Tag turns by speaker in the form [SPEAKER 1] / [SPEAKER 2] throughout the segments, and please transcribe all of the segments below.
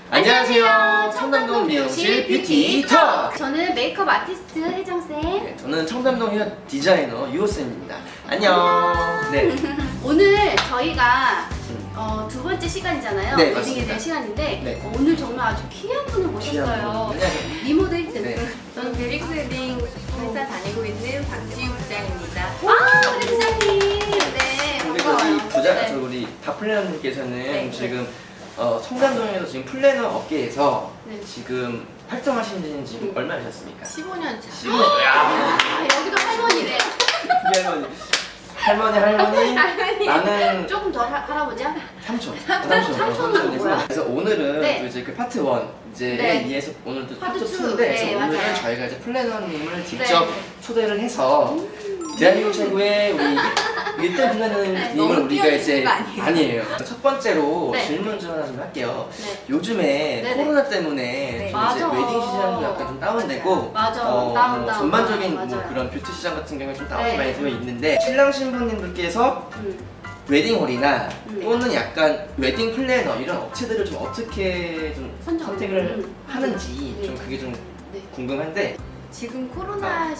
[SPEAKER 1] 안녕하세요. 청담동 미용실 뷰티 톡!
[SPEAKER 2] 저는 메이크업 아티스트 혜정쌤.
[SPEAKER 1] 네, 저는 청담동 헤어 디자이너 유호쌤입니다. 안녕. 네.
[SPEAKER 2] 오늘 저희가 두 번째 시간이잖아요.
[SPEAKER 1] 네,
[SPEAKER 2] 웨딩에
[SPEAKER 1] 맞습니다.
[SPEAKER 2] 대한 시간인데
[SPEAKER 1] 네.
[SPEAKER 2] 오늘 정말 아주 귀한 분을 모셨어요.
[SPEAKER 1] 안녕하세요.
[SPEAKER 2] 리모드 1등.
[SPEAKER 1] 네.
[SPEAKER 3] 저는 베릭스 웨딩 회사 다니고 있는 박지우 부장입니다.
[SPEAKER 2] 아, 우리 부장님. 네,
[SPEAKER 1] 우리
[SPEAKER 2] 반가워요.
[SPEAKER 1] 저기 부자,
[SPEAKER 2] 네.
[SPEAKER 1] 저 우리 다플래너님께서는
[SPEAKER 3] 네.
[SPEAKER 1] 지금 청담동에서 지금 플래너 업계에서
[SPEAKER 2] 네.
[SPEAKER 1] 지금 활동하신 지는 지금 얼마 되셨습니까?
[SPEAKER 3] 15년 차.
[SPEAKER 1] 15년. 야,
[SPEAKER 2] 아, 여기도 할머니래.
[SPEAKER 1] 할머니. 나는
[SPEAKER 2] 조금 더 할아버지야?
[SPEAKER 1] 삼촌.
[SPEAKER 2] 삼촌은 뭐야?
[SPEAKER 1] 그래서 오늘은
[SPEAKER 2] 네.
[SPEAKER 1] 또 이제 그 파트 1 이제
[SPEAKER 2] 네.
[SPEAKER 1] 이에서 오늘 또
[SPEAKER 2] 파트
[SPEAKER 1] 파트
[SPEAKER 2] 투.
[SPEAKER 1] 2인데
[SPEAKER 2] 네,
[SPEAKER 1] 그래서 오늘은
[SPEAKER 2] 맞아요.
[SPEAKER 1] 저희가 이제 플래너님을 직접
[SPEAKER 2] 네.
[SPEAKER 1] 초대를 해서 대한민국 최고의 우리 1등 플래너님을
[SPEAKER 3] 너무
[SPEAKER 1] 우리가 이제
[SPEAKER 3] 뛰어드시는 거 아니에요?
[SPEAKER 1] 첫 번째로
[SPEAKER 2] 네.
[SPEAKER 1] 질문 좀 하나 좀 할게요.
[SPEAKER 2] 네.
[SPEAKER 1] 요즘에
[SPEAKER 2] 네네.
[SPEAKER 1] 코로나 때문에
[SPEAKER 3] 네.
[SPEAKER 1] 좀 이제
[SPEAKER 2] 맞아.
[SPEAKER 1] 웨딩 시장도 약간 좀 다운되고
[SPEAKER 2] 맞아.
[SPEAKER 1] 뭐
[SPEAKER 2] 다운.
[SPEAKER 1] 전반적인 뭐
[SPEAKER 2] 맞아요.
[SPEAKER 1] 그런 뷰티 시장 같은 경우에 좀 다운이
[SPEAKER 2] 네.
[SPEAKER 1] 많이 되어 있는데 신랑 신부님들께서
[SPEAKER 2] 음.
[SPEAKER 1] 웨딩홀이나
[SPEAKER 2] 네.
[SPEAKER 1] 또는 약간 웨딩 플래너 이런 업체들을 좀 어떻게 좀 선택을
[SPEAKER 2] 음.
[SPEAKER 1] 하는지
[SPEAKER 2] 네.
[SPEAKER 1] 좀 그게 좀
[SPEAKER 2] 네.
[SPEAKER 1] 궁금한데
[SPEAKER 3] 지금 코로나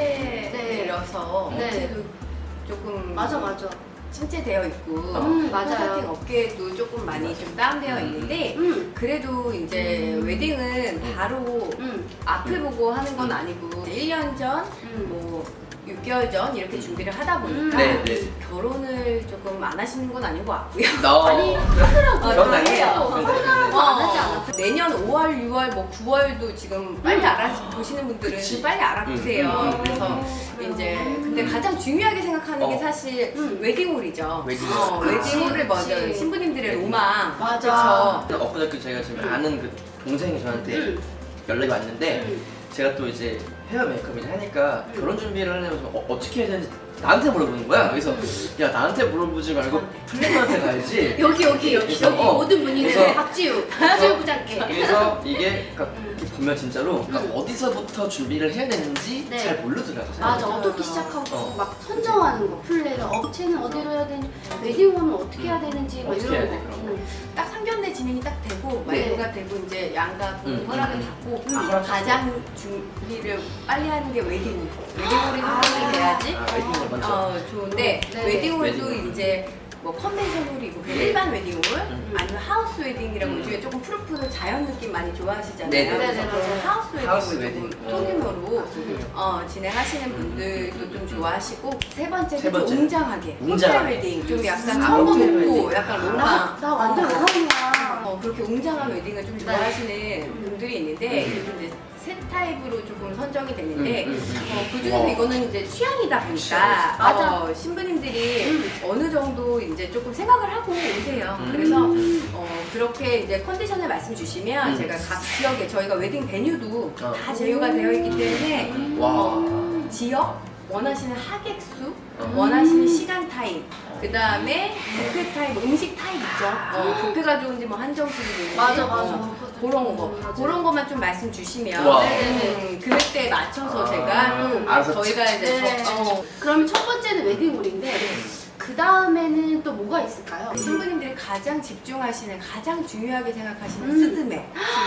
[SPEAKER 3] 시대라서
[SPEAKER 2] 네.
[SPEAKER 3] 업체도 조금
[SPEAKER 2] 맞아.
[SPEAKER 3] 침체되어 있고
[SPEAKER 2] 맞아요.
[SPEAKER 3] 컨설팅 업계도 조금 많이 좀 다운되어 있는데 그래도 이제 웨딩은 바로 앞을 보고 하는 건 아니고 1년 전, 뭐 6개월 전 이렇게 준비를 하다 보니까
[SPEAKER 1] 네, 네.
[SPEAKER 3] 결혼을 조금 안 하시는 건 아닌 것 같고요.
[SPEAKER 2] 아니, 하더라고요.
[SPEAKER 1] 그런 거 아니에요.
[SPEAKER 2] 코로나라고 안 하지 않아.
[SPEAKER 3] 내년 5월, 6월, 뭐 9월도 지금 빨리 알아보시는 분들은
[SPEAKER 1] 그치.
[SPEAKER 3] 좀 빨리 알아보세요. 그래서
[SPEAKER 2] 그래요.
[SPEAKER 3] 이제 근데 가장 중요하게 생각하는 게 사실 웨딩홀이죠.
[SPEAKER 1] 웨딩홀.
[SPEAKER 3] 웨딩홀을 먼저
[SPEAKER 2] 그치.
[SPEAKER 3] 신부님들의 로망.
[SPEAKER 2] 맞아.
[SPEAKER 3] 그쵸?
[SPEAKER 1] 엊그저께 제가 지금 아는 그 동생이 저한테 연락이 왔는데 제가 또 이제 헤어 메이크업을 하니까 결혼 준비를 하려면 어떻게 해야 되는지 나한테 물어보는 거야. 그래서 야 나한테 물어보지 말고 플래너한테 가야지.
[SPEAKER 2] 여기
[SPEAKER 1] 그래서,
[SPEAKER 2] 모든 분이
[SPEAKER 1] 그래서-
[SPEAKER 2] 박지우 부장께.
[SPEAKER 1] 그래서 이게 그러니까 이렇게 보면 진짜로 그러니까
[SPEAKER 2] 음.
[SPEAKER 1] 어디서부터 준비를 해야 되는지
[SPEAKER 2] 네.
[SPEAKER 1] 잘 모르더라고.
[SPEAKER 2] 맞아,
[SPEAKER 1] 사람들이.
[SPEAKER 2] 어떻게 시작하고
[SPEAKER 1] 어.
[SPEAKER 2] 막 선정하는 거, 플래너, 업체는 어디로 해야 되는지, 웨딩홈은 어떻게 해야 되는지 막
[SPEAKER 1] 어떻게
[SPEAKER 2] 이런
[SPEAKER 1] 해야
[SPEAKER 2] 거.
[SPEAKER 1] 돼, 그런 거.
[SPEAKER 3] 딱 상견례 진행이 딱 되고
[SPEAKER 2] 네.
[SPEAKER 3] 마이크가 되고 이제 양가 부모 허락을 받고
[SPEAKER 1] 허락
[SPEAKER 3] 가장 준비를 빨리 하는 게 웨딩홀. 웨딩홀이 선정이 돼야지
[SPEAKER 1] 아, 웨딩홀 먼저.
[SPEAKER 3] 좋은데
[SPEAKER 2] 네.
[SPEAKER 3] 웨딩홀도
[SPEAKER 1] 웨딩홀.
[SPEAKER 3] 이제 뭐 컨벤션홀이 있고 그냥 일반 웨딩홀 아니면 하우스 웨딩이라고 요즘에 조금 푸릇푸릇 자연 느낌 많이 좋아하시잖아요.
[SPEAKER 1] 네, 네,
[SPEAKER 3] 그래서
[SPEAKER 2] 네,
[SPEAKER 3] 그런
[SPEAKER 2] 맞아요.
[SPEAKER 1] 하우스
[SPEAKER 3] 하우스
[SPEAKER 1] 웨딩.
[SPEAKER 3] 웨딩 소규모로
[SPEAKER 1] 소규모.
[SPEAKER 3] 진행하시는 분들도 좀 좋아하시고 세 번째는
[SPEAKER 1] 세 번째.
[SPEAKER 3] 좀 웅장하게
[SPEAKER 1] 웅장하게.
[SPEAKER 3] 호텔 웨딩 좀 약간
[SPEAKER 1] 아,
[SPEAKER 3] 천거
[SPEAKER 1] 호텔
[SPEAKER 3] 높고
[SPEAKER 1] 웨딩.
[SPEAKER 3] 약간 로망
[SPEAKER 2] 나 완전 로망이야.
[SPEAKER 3] 그렇게 웅장한 웨딩을 좀 좋아하시는 분들이 있는데
[SPEAKER 1] 음.
[SPEAKER 3] 이렇게 이제 세 타입으로 조금 선정이 됐는데 그중에서
[SPEAKER 1] 와.
[SPEAKER 3] 이거는 이제 취향이다 보니까
[SPEAKER 1] 취향이지.
[SPEAKER 2] 맞아.
[SPEAKER 3] 신부님들이 어느 정도 이제 조금 생각을 하고 오세요. 그래서 그렇게 이제 컨디션을 말씀 주시면 제가 각 지역에 저희가 웨딩 베뉴도 다 제휴가 되어 있기 때문에
[SPEAKER 1] 와.
[SPEAKER 3] 지역 원하시는 하객 수,
[SPEAKER 1] 어.
[SPEAKER 3] 원하시는 시간 타임, 그 다음에 뷔페 타임, 음식 타임 있죠. 뷔페가 좋은지 뭐 한정식이 좋은지
[SPEAKER 2] 맞아.
[SPEAKER 3] 그런 거
[SPEAKER 2] 맞아.
[SPEAKER 3] 그런 것만 좀 말씀 주시면
[SPEAKER 1] 와.
[SPEAKER 3] 그때 맞춰서 제가
[SPEAKER 1] 알아서
[SPEAKER 3] 저희가 이제
[SPEAKER 2] 네.
[SPEAKER 3] 저-
[SPEAKER 2] 그러면 첫 번째는 웨딩홀인데 그 다음에는 또 뭐가 있을까요?
[SPEAKER 3] 신부님들이 가장 집중하시는 가장 중요하게 생각하시는 스드메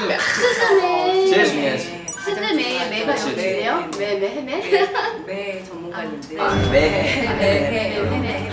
[SPEAKER 2] 스드메.
[SPEAKER 1] 제일 중요하지.
[SPEAKER 2] 스드메 매가
[SPEAKER 1] 그치, 그치.
[SPEAKER 2] 여기세요? 매매?
[SPEAKER 3] 매 전문가님들
[SPEAKER 1] 아,
[SPEAKER 3] 매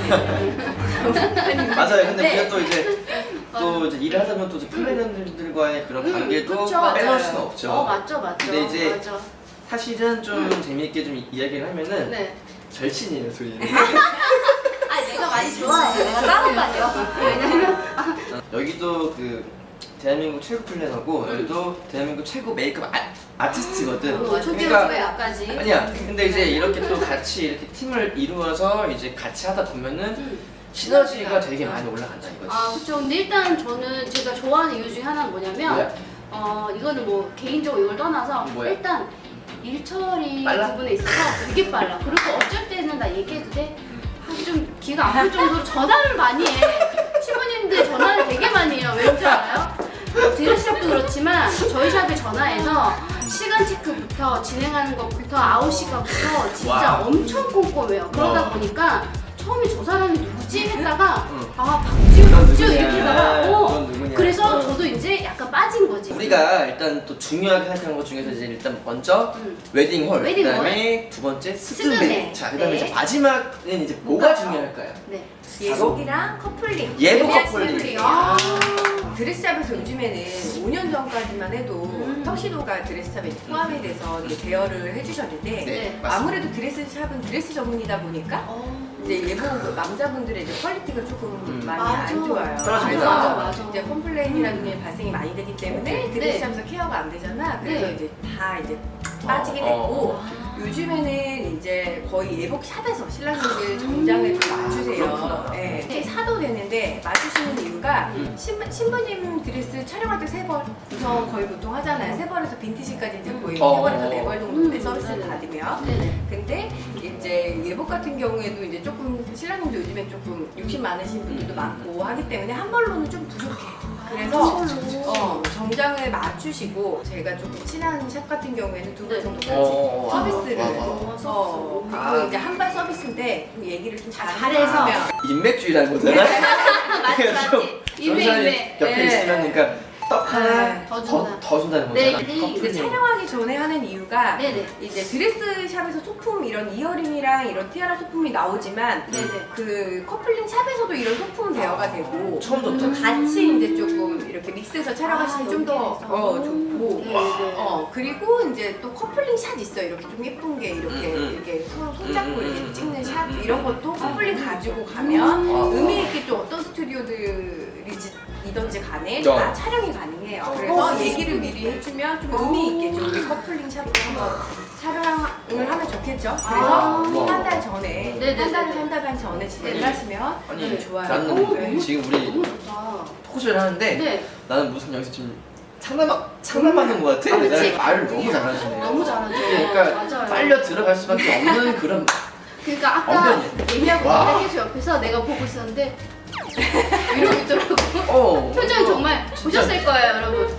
[SPEAKER 1] 맞아요. 근데
[SPEAKER 2] 네.
[SPEAKER 1] 우리가 또 이제 일을 하다 보면 또 이제 플래너들과의 그런 관계도
[SPEAKER 2] 그쵸.
[SPEAKER 1] 빼놓을 수는 없죠.
[SPEAKER 2] 맞죠.
[SPEAKER 1] 근데 이제
[SPEAKER 2] 맞아.
[SPEAKER 1] 사실은 좀 재미있게 좀 이야기를 하면은
[SPEAKER 2] 네.
[SPEAKER 1] 절친이에요, 둘이.
[SPEAKER 2] 아, 내가 많이 좋아해. 내가 따라다녀. 왜냐면
[SPEAKER 1] 여기도 그 대한민국 최고 플래너고 여기도 대한민국 최고 메이크업 아티스트거든.
[SPEAKER 2] 초기부터 약까지.
[SPEAKER 1] 아니야. 근데 이제 이렇게 또 같이 이렇게 팀을 이루어서 이제 같이 하다 보면은 시너지가 되게 많이 올라간다 이거지.
[SPEAKER 2] 아, 그쵸. 근데 일단 저는 제가 좋아하는 이유 중에 하나는 뭐냐면
[SPEAKER 1] 뭐야?
[SPEAKER 2] 이거는 뭐 개인적으로 이걸 떠나서
[SPEAKER 1] 뭐야?
[SPEAKER 2] 일단 일 처리
[SPEAKER 1] 빨라?
[SPEAKER 2] 부분에 있어서 되게 빨라. 그리고 어쩔 때는 나 얘기해도 돼? 좀 귀가 아플 정도로 전화를 많이 해. 신부님들 전화를 되게 많이 해요. 왜 그런지 알아요? 드레스샵도 그렇지만 저희 샵에 전화해서 시간 체크부터 진행하는 것부터 아웃 시간부터 진짜
[SPEAKER 1] 와.
[SPEAKER 2] 엄청 꼼꼼해요. 그러다
[SPEAKER 1] 와.
[SPEAKER 2] 보니까 처음에 저 사람이 누구지 했다가
[SPEAKER 1] 응.
[SPEAKER 2] 아 박지우
[SPEAKER 1] 넌
[SPEAKER 2] 이렇게
[SPEAKER 1] 누구냐?
[SPEAKER 2] 하다가
[SPEAKER 1] 넌 누구냐?
[SPEAKER 2] 그래서 저도 이제 약간 빠져 빠진 거지.
[SPEAKER 1] 우리가 일단 또 중요하게 생각하는 것 중에서 이제 일단 먼저 웨딩홀,
[SPEAKER 2] 웨딩홀.
[SPEAKER 1] 그다음에 두 번째
[SPEAKER 2] 스드메.
[SPEAKER 1] 스드메. 자, 그다음에
[SPEAKER 2] 네.
[SPEAKER 1] 이제 마지막은 이제 뭐가
[SPEAKER 2] 뭐가요?
[SPEAKER 1] 중요할까요?
[SPEAKER 2] 네.
[SPEAKER 3] 예복이랑 커플링.
[SPEAKER 1] 예복
[SPEAKER 3] 예비한
[SPEAKER 1] 커플링.
[SPEAKER 3] 커플링.
[SPEAKER 2] 아.
[SPEAKER 3] 드레스샵에서 요즘에는 5년 전까지만 해도 턱시도가 드레스샵에 포함이 돼서 이제 대여를 해주셨는데
[SPEAKER 1] 네, 맞습니다.
[SPEAKER 3] 아무래도 드레스샵은 드레스 전문이다 보니까 이제 예복 남자분들의 이제 퀄리티가 조금 많이
[SPEAKER 2] 맞아.
[SPEAKER 3] 안 좋아요.
[SPEAKER 1] 떨어집니다.
[SPEAKER 3] 그래서
[SPEAKER 2] 맞아.
[SPEAKER 3] 이제 컴플레인이라는 게 발생이 많이 되기 때문에 드레스샵에서 케어가 안 되잖아. 그래서
[SPEAKER 2] 네.
[SPEAKER 3] 이제 다 이제 빠지게 됐고 요즘에는 이제 거의 예복 샵에서 신랑님들 정장을 좀 맞추세요.
[SPEAKER 1] 그렇구나.
[SPEAKER 3] 네. 사도 되는데 맞추시는 이유가 신부님 드레스 촬영할 때 3벌 우선 거의 보통 하잖아요. 3벌에서 빈티지까지 이제 거의 3벌에서 4벌 정도의 서비스를 받으면
[SPEAKER 2] 네네.
[SPEAKER 3] 근데 이제 예복 같은 경우에도 이제 조금 신랑님도 요즘에 조금 욕심 많으신 분들도 많고 하기 때문에 한 벌로는 좀 부족해. 그래서 정장을 맞추시고 제가 조금 친한 샵 같은 경우에는 2벌 정도까지 서비스를 그리고 이제 한 발 서비스인데 좀 얘기를 좀
[SPEAKER 2] 잘해서.
[SPEAKER 3] 잘하면
[SPEAKER 1] 인맥주의라는 거잖아.
[SPEAKER 2] 맞지
[SPEAKER 1] 좀
[SPEAKER 2] 맞지. 인맥.
[SPEAKER 1] 옆에
[SPEAKER 3] 네.
[SPEAKER 1] 있으면 그러니까 떡 하나
[SPEAKER 2] 더 준다.
[SPEAKER 1] 더 준다는
[SPEAKER 2] 네,
[SPEAKER 1] 거잖아.
[SPEAKER 2] 네.
[SPEAKER 3] 이제
[SPEAKER 1] 커플링.
[SPEAKER 3] 촬영하기 전에 하는 이유가
[SPEAKER 2] 네네.
[SPEAKER 3] 이제 드레스 샵에서 소품 이런 이어링이랑 이런 티아라 소품이 나오지만
[SPEAKER 2] 네네.
[SPEAKER 3] 그 커플링 샵에서도 이런 소품 대여가 되고
[SPEAKER 1] 처음부터
[SPEAKER 3] 좀 같이 이제 조금 이렇게 믹스해서 촬영하시면 좀 더
[SPEAKER 2] 연결해서.
[SPEAKER 3] 좋고
[SPEAKER 2] 네네.
[SPEAKER 3] 그리고 이제 또 커플링 샷 있어요. 이렇게 좀 예쁜 게 이렇게 이렇게 서로 손잡고 이렇게 찍는 샷 이런 것도 커플링 가지고 가면 의미 있게 좀 어떤 스튜디오들이든지 간에 다 촬영이 가능해요. 그래서 얘기를 미리 해주면 좀 의미 있게 좀 우리 커플링 샵도 한번 촬영을 하면 좋겠죠. 그래서 한 달 전에
[SPEAKER 2] 네네네.
[SPEAKER 3] 한 달에서 한 달 반 전에 진행을 하시면
[SPEAKER 1] 아니
[SPEAKER 3] 좋아요.
[SPEAKER 1] 나는
[SPEAKER 3] 네.
[SPEAKER 1] 지금 우리
[SPEAKER 2] 너무 좋다.
[SPEAKER 1] 토크쇼를 하는데
[SPEAKER 2] 네.
[SPEAKER 1] 나는 무슨 여기서 지금 상담받는 것 같아.
[SPEAKER 2] 그치.
[SPEAKER 1] 말을 너무 잘하시네.
[SPEAKER 2] 너무 잘하죠.
[SPEAKER 1] 그러니까
[SPEAKER 2] 맞아요.
[SPEAKER 1] 빨려 들어갈 수밖에 없는 그런
[SPEAKER 2] 그러니까 아까
[SPEAKER 1] 언변이.
[SPEAKER 2] 얘기하고
[SPEAKER 1] 와.
[SPEAKER 2] 있는 혜수 옆에서 내가 보고 있었는데 이러고 있더라고. 표정이 정말 보셨을 거예요, 여러분.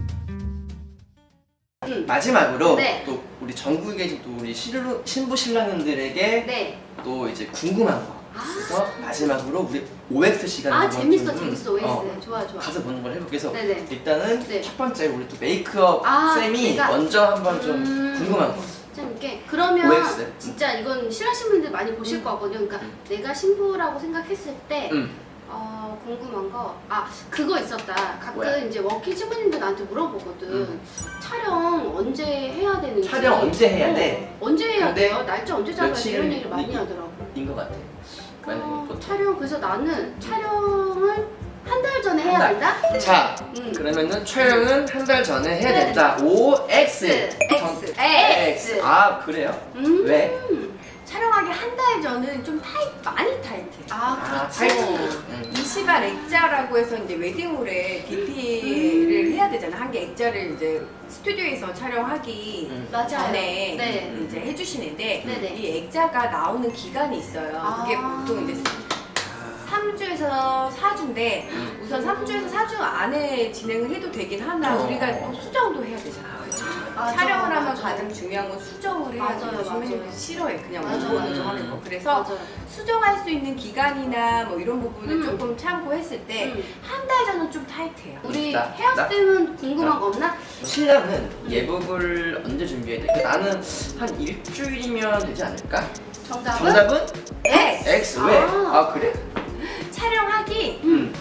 [SPEAKER 1] 마지막으로
[SPEAKER 2] 네.
[SPEAKER 1] 또 우리 전국에 지금 또 우리 신부 신랑님들에게
[SPEAKER 2] 네.
[SPEAKER 1] 또 이제 궁금한 거. 그래서 마지막으로 우리 OX 시간
[SPEAKER 2] 아 재밌어 OS. 좋아.
[SPEAKER 1] 가서 보는 걸 해볼게요. 그래서
[SPEAKER 2] 네네.
[SPEAKER 1] 일단은
[SPEAKER 2] 네.
[SPEAKER 1] 첫 번째 우리 또 메이크업
[SPEAKER 2] 아,
[SPEAKER 1] 쌤이
[SPEAKER 2] 그러니까.
[SPEAKER 1] 먼저 한번 좀 궁금한 거.
[SPEAKER 2] 재밌게. 그러면
[SPEAKER 1] OX.
[SPEAKER 2] 진짜 이건 신랑신 분들 많이 보실 거거든요. 그러니까 내가 신부라고 생각했을 때 궁금한 거, 그거 있었다. 가끔
[SPEAKER 1] 뭐야?
[SPEAKER 2] 이제 워킹 신부님들 나한테 물어보거든. 촬영 언제 해야 되는지.
[SPEAKER 1] 촬영 언제 해야 돼?
[SPEAKER 2] 언제 해야
[SPEAKER 1] 근데
[SPEAKER 2] 돼요? 날짜 언제 잡아야 돼?
[SPEAKER 1] 며칠
[SPEAKER 2] 이런 얘기를 많이 하더라고.
[SPEAKER 1] 인 것 같아. 만약에 보통.
[SPEAKER 2] 촬영, 그래서 나는 촬영을 한 달 전에 해야
[SPEAKER 1] 한 달.
[SPEAKER 2] 된다?
[SPEAKER 1] 자,
[SPEAKER 2] 음.
[SPEAKER 1] 그러면은 촬영은 한 달 전에 해야
[SPEAKER 2] 네.
[SPEAKER 1] 된다. OX.
[SPEAKER 3] X.
[SPEAKER 1] X. 아, 그래요? 왜?
[SPEAKER 3] 촬영하기 한 달 전은 좀 많이 타이트해.
[SPEAKER 2] 그렇지.
[SPEAKER 1] 타이트.
[SPEAKER 3] 이시발 액자라고 해서 이제 웨딩홀에 DP를 해야 되잖아. 한 개 액자를 이제 스튜디오에서 촬영하기
[SPEAKER 2] 맞아요.
[SPEAKER 3] 전에
[SPEAKER 2] 네.
[SPEAKER 3] 이제 해주시는데
[SPEAKER 2] 네네.
[SPEAKER 3] 이 액자가 나오는 기간이 있어요. 그게 보통 이제 3주에서 4주인데 우선 3주에서 4주 안에 진행을 해도 되긴 하나 우리가 또 수정도 해야 되잖아.
[SPEAKER 2] 맞아,
[SPEAKER 3] 촬영을 하면
[SPEAKER 2] 맞아.
[SPEAKER 3] 가장 중요한 건 수정을 해야 돼요.
[SPEAKER 2] 맞아요,
[SPEAKER 3] 요즘에는
[SPEAKER 2] 맞아요.
[SPEAKER 3] 싫어해. 그냥
[SPEAKER 2] 맞아요,
[SPEAKER 3] 원본으로
[SPEAKER 2] 맞아요.
[SPEAKER 3] 하는 거. 그래서
[SPEAKER 2] 맞아요.
[SPEAKER 3] 수정할 수 있는 기간이나 뭐 이런 부분을 조금 참고했을 때 한 달 전은 좀 타이트해요.
[SPEAKER 2] 우리
[SPEAKER 1] 나?
[SPEAKER 2] 헤어쌤은 궁금한 거 없나?
[SPEAKER 1] 신랑은 예복을 언제 준비해야 돼? 그러니까 나는 한 일주일이면 되지 않을까?
[SPEAKER 2] 정답은?
[SPEAKER 1] 정답은?
[SPEAKER 3] X!
[SPEAKER 1] X. 왜?
[SPEAKER 2] 아.
[SPEAKER 1] 그래?
[SPEAKER 3] 촬영하기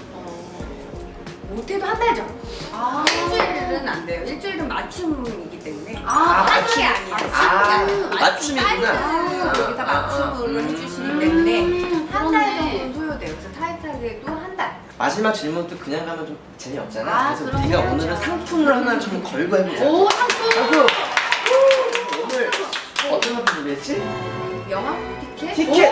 [SPEAKER 3] 못해도 한 달 전. 일주일은 안 돼요. 일주일은 맞춤이기 때문에.
[SPEAKER 1] 맞춤.
[SPEAKER 3] 게 아니야.
[SPEAKER 1] 맞춤이구나.
[SPEAKER 3] 여기 다 맞춤으로 해주시기 때문에 한 달 정도는 소요돼요. 그래서 타이트하게도 한 달.
[SPEAKER 1] 마지막 질문도 그냥 가면 좀 재미없잖아. 그래서
[SPEAKER 2] 그럼
[SPEAKER 1] 우리가
[SPEAKER 2] 해야죠.
[SPEAKER 1] 오늘은 상품을 하나 좀 걸고 해보자.
[SPEAKER 2] 오, 상품!
[SPEAKER 1] 오늘 어떤 상품 준비했지?
[SPEAKER 3] 영화 티켓?
[SPEAKER 1] 티켓!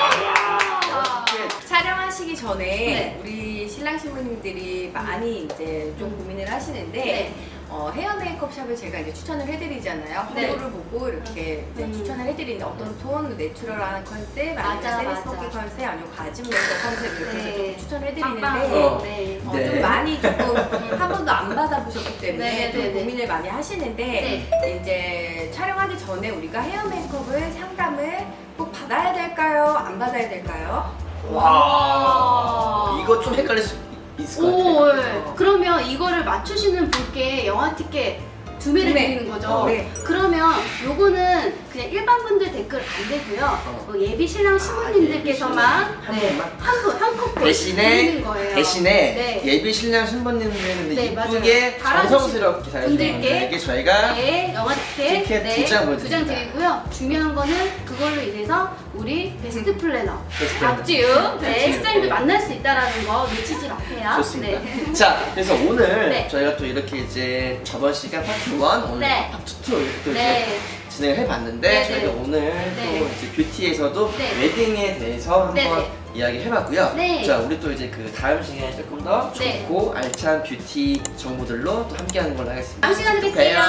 [SPEAKER 3] 촬영하시기 전에
[SPEAKER 2] 네.
[SPEAKER 3] 우리 신랑 신부님들이 많이 이제 좀 고민을 하시는데 헤어 메이크업 샵을 제가 이제 추천을 해드리잖아요.
[SPEAKER 2] 네.
[SPEAKER 3] 허브를 보고 이렇게 이제 추천을 해드리는데 어떤 톤, 내추럴한 컨셉,
[SPEAKER 2] 맞아,
[SPEAKER 3] 아니면 세미스모키
[SPEAKER 2] 맞아.
[SPEAKER 3] 컨셉, 아니면 과즙 메이크업 컨셉 이렇게 해서
[SPEAKER 2] 네.
[SPEAKER 3] 좀 추천을
[SPEAKER 2] 빵빵.
[SPEAKER 3] 해드리는데
[SPEAKER 2] 네.
[SPEAKER 3] 좀 많이 조금 한 번도 안 받아보셨기 때문에
[SPEAKER 2] 네,
[SPEAKER 3] 좀
[SPEAKER 2] 네, 네.
[SPEAKER 3] 고민을 많이 하시는데 이제 촬영하기 전에 우리가 헤어 메이크업을 상담을 꼭 받아야 될까요? 안 받아야 될까요?
[SPEAKER 1] 와, 이거 좀 헷갈릴 수 있을 것
[SPEAKER 2] 오,
[SPEAKER 1] 같아요.
[SPEAKER 2] 예. 그러면 이거를 맞추시는 분께 영화 티켓 2매를
[SPEAKER 3] 네.
[SPEAKER 2] 드리는 거죠?
[SPEAKER 3] 네.
[SPEAKER 2] 그러면 요거는 그냥 일반 분들 댓글 안 되고요. 뭐 예비 신랑 신부님들께서만
[SPEAKER 1] 한 분만?
[SPEAKER 2] 한 커플
[SPEAKER 1] 대신에
[SPEAKER 2] 드리는 거예요.
[SPEAKER 1] 대신에
[SPEAKER 2] 네.
[SPEAKER 1] 예비 신랑 신부님들은
[SPEAKER 2] 네,
[SPEAKER 1] 이쁘게
[SPEAKER 2] 맞아요.
[SPEAKER 1] 정성스럽게 잘해주는
[SPEAKER 2] 분들께
[SPEAKER 1] 분들에게 저희가
[SPEAKER 2] 네, 영화 티켓,
[SPEAKER 1] 티켓 두 장 보여드립니다.
[SPEAKER 2] 2장 드리고요. 중요한 거는 그걸로 인해서 우리 베스트 플래너
[SPEAKER 1] 베스트 플래너.
[SPEAKER 2] 박지우 네,
[SPEAKER 1] 박지우.
[SPEAKER 2] 실장님들 만날 수 있다라는 거 놓치지 마세요.
[SPEAKER 1] 좋습니다.
[SPEAKER 2] 네.
[SPEAKER 1] 자, 그래서 오늘
[SPEAKER 2] 네.
[SPEAKER 1] 저희가 또 이렇게 이제 저번 시간 파트 1, 오늘
[SPEAKER 2] 네.
[SPEAKER 1] 파트 2 이렇게 또
[SPEAKER 2] 네.
[SPEAKER 1] 이제 진행을 해봤는데
[SPEAKER 2] 네,
[SPEAKER 1] 저희가
[SPEAKER 2] 네.
[SPEAKER 1] 오늘
[SPEAKER 2] 네.
[SPEAKER 1] 또 이제 뷰티에서도
[SPEAKER 2] 네.
[SPEAKER 1] 웨딩에 대해서
[SPEAKER 2] 네,
[SPEAKER 1] 한번
[SPEAKER 2] 네.
[SPEAKER 1] 이야기해봤고요.
[SPEAKER 2] 네.
[SPEAKER 1] 자, 우리 또 이제 그 다음 시간에 조금 더
[SPEAKER 2] 네.
[SPEAKER 1] 좋고 알찬 뷰티 정보들로 또 함께하는 걸로 하겠습니다.
[SPEAKER 2] 다음 시간에 뵐게요.
[SPEAKER 1] 봬요.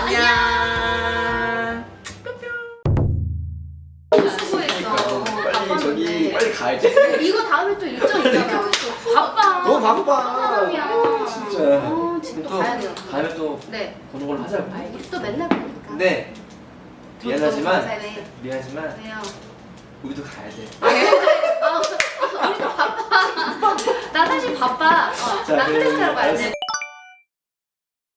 [SPEAKER 1] 안녕.
[SPEAKER 2] 수고했어.
[SPEAKER 1] 빨리 저기 빨리 가야지.
[SPEAKER 2] 이거 다음에 또 일정 있잖아. 또 바빠.
[SPEAKER 1] 너무 바빠.
[SPEAKER 2] 사람이야.
[SPEAKER 1] 진짜.
[SPEAKER 2] 지금 또 가야 돼요.
[SPEAKER 1] 다음에 또
[SPEAKER 2] 네.
[SPEAKER 1] 보는 걸로 하자고.
[SPEAKER 2] 우리 또 맨날 보니까.
[SPEAKER 1] 네. 미안하지만
[SPEAKER 2] 네.
[SPEAKER 1] 미안하지만
[SPEAKER 2] 왜요?
[SPEAKER 1] 우리도 가야 돼.
[SPEAKER 2] 우리도 바빠. 나 사실 바빠.
[SPEAKER 1] 자,
[SPEAKER 2] 나 클래스 하러
[SPEAKER 1] 그럼
[SPEAKER 2] 가야 돼.